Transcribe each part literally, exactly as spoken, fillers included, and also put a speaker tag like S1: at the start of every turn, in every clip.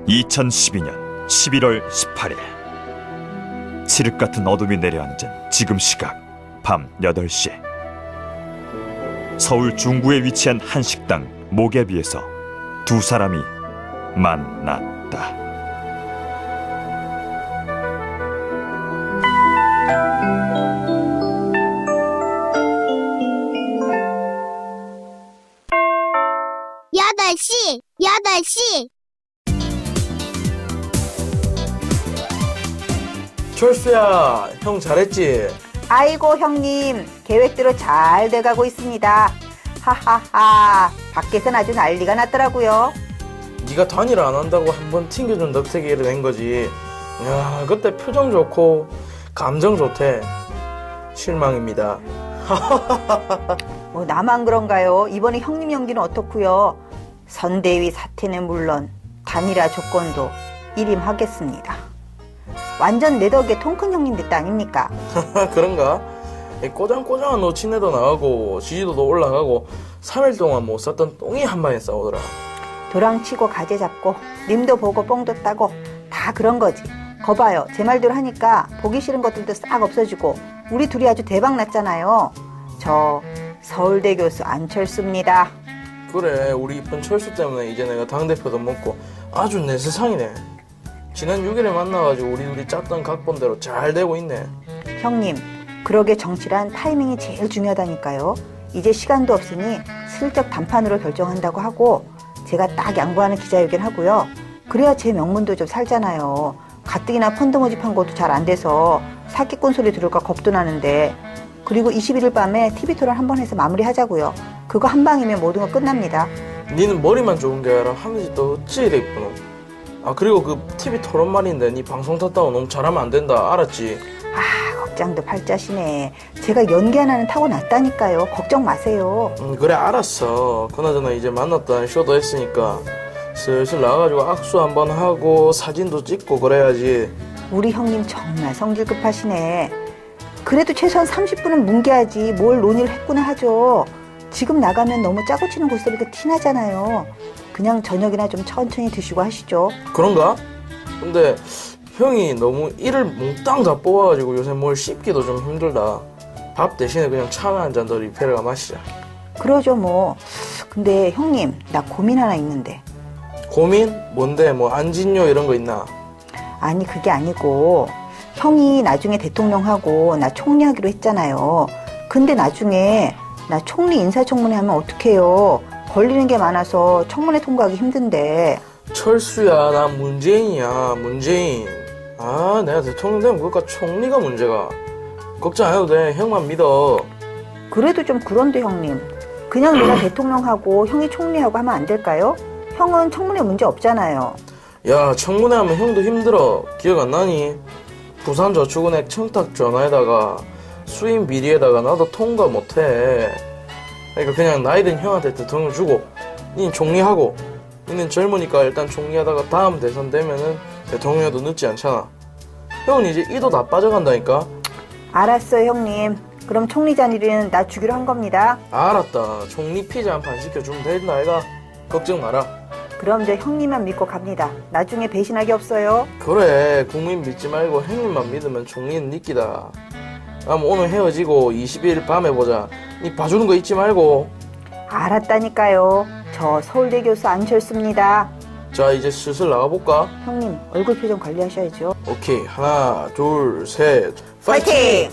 S1: 이천십이 년 십일월 십팔일 칠흑 같은 어둠이 내려앉은 지금 시각 밤 여덟 시 서울 중구에 위치한 한 식당 모개비에서 두 사람이 만났다.
S2: 여덟 시, 여덟 시.
S3: 철수야, 형 잘했지?
S4: 아이고 형님, 계획대로 잘 돼가고 있습니다. 하하하, 밖에선 아주 난리가 났더라고요.
S3: 네가 단일 안 한다고 한번 튕겨준 넉태기를 낸 거지. 야, 그때 표정 좋고 감정 좋대. 실망입니다.
S4: 뭐 나만 그런가요? 이번에 형님 연기는 어떻고요? 선대위 사태는 물론 단일화 조건도 일임하겠습니다. 완전 내 덕에 통큰 형님 됐다 아닙니까?
S3: 그런가? 이 꼬장꼬장한 노친애도 나가고 지지도도 올라가고 삼 일 동안 못 샀던 똥이 한 방에 싸우더라.
S4: 도랑치고 가재 잡고 님도 보고 뽕도 따고 다 그런 거지. 거봐요, 제 말대로 하니까 보기 싫은 것들도 싹 없어지고 우리 둘이 아주 대박 났잖아요. 저 서울대 교수 안철수입니다.
S3: 그래, 우리 이쁜 철수 때문에 이제 내가 당대표도 먹고 아주 내 세상이네. 지난 육 일에 만나가지고 우리 둘이 짰던 각본대로 잘 되고 있네.
S4: 형님, 그러게 정치란 타이밍이 제일 중요하다니까요. 이제 시간도 없으니 슬쩍 단판으로 결정한다고 하고 제가 딱 양보하는 기자회견 하고요. 그래야 제 명문도 좀 살잖아요. 가뜩이나 펀드 모집한 것도 잘 안 돼서 사기꾼 소리 들을까 겁도 나는데. 그리고 이십일 일 밤에 티비 토론 한번 해서 마무리하자고요. 그거 한 방이면 모든 거 끝납니다.
S3: 니는 머리만 좋은 게 아니라 하늘이 또 어찌 이래 이쁘노. 아, 그리고 그 티비 토론 말인데 니 방송 탔다고 너무 잘하면 안 된다, 알았지?
S4: 아, 걱정도 팔자시네. 제가 연기 하나는 타고났다니까요. 걱정 마세요.
S3: 음, 그래, 알았어. 그나저나 이제 만났다는 쇼도 했으니까 슬슬 나가가지고 악수 한번 하고 사진도 찍고 그래야지.
S4: 우리 형님 정말 성질 급하시네. 그래도 최소한 삼십 분은 뭉개야지 뭘 논의를 했구나 하죠. 지금 나가면 너무 짜고 치는 고소리가 티나잖아요. 그냥 저녁이나 좀 천천히 드시고 하시죠.
S3: 그런가? 근데 형이 너무 이를 몽땅 다 뽑아가지고 요새 뭘 씹기도 좀 힘들다. 밥 대신에 그냥 차나 한 잔 더 리필해가 마시자.
S4: 그러죠 뭐. 근데 형님, 나 고민 하나 있는데.
S3: 고민? 뭔데? 뭐 안진요 이런 거 있나?
S4: 아니 그게 아니고 형이 나중에 대통령하고 나 총리하기로 했잖아요. 근데 나중에 나 총리 인사청문회 하면 어떡해요. 걸리는 게 많아서 청문회 통과하기 힘든데.
S3: 철수야, 나 문재인이야, 문재인. 아, 내가 대통령 되면 그것과 총리가 문제가. 걱정 안 해도 돼, 형만 믿어.
S4: 그래도 좀 그런데 형님, 그냥 내가 대통령하고 형이 총리하고 하면 안 될까요? 형은 청문회 문제 없잖아요.
S3: 야, 청문회 하면 형도 힘들어. 기억 안 나니? 부산저축은행 청탁 전화에다가 수임 비리에다가 나도 통과 못해. 그러니까 그냥 나이든 형한테 대통령 주고 니는 총리하고, 니는 젊으니까 일단 총리하다가 다음 대선 되면은 대통령도 늦지 않잖아. 형은 이제 이도 다 빠져간다니까.
S4: 알았어요 형님. 그럼 총리 자리는 나 주기로 한 겁니다.
S3: 알았다. 총리 피자 한 판 시켜주면 된다 아이가. 걱정 마라.
S4: 그럼 저 형님만 믿고 갑니다. 나중에 배신하기 없어요.
S3: 그래, 국민 믿지 말고 형님만 믿으면 총리는 니 끼다. 그럼 오늘 헤어지고 이십일 일 밤에 보자. 니 봐주는 거 잊지 말고.
S4: 알았다니까요. 저 서울대 교수 안철수입니다.
S3: 자, 이제 슬슬 나가볼까?
S4: 형님 얼굴 표정 관리하셔야죠.
S3: 오케이, 하나 둘 셋
S4: 파이팅!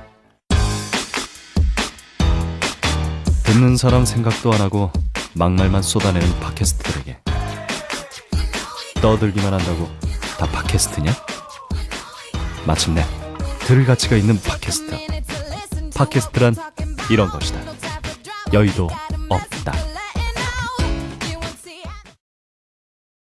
S5: 듣는 사람 생각도 안 하고 막말만 쏟아내는 팟캐스트들에게 떠들기만 한다고 다 팟캐스트냐? 마침내 들을 가치가 있는 팟캐스트. 팟캐스트란 이런 것이다. 여의도 없다.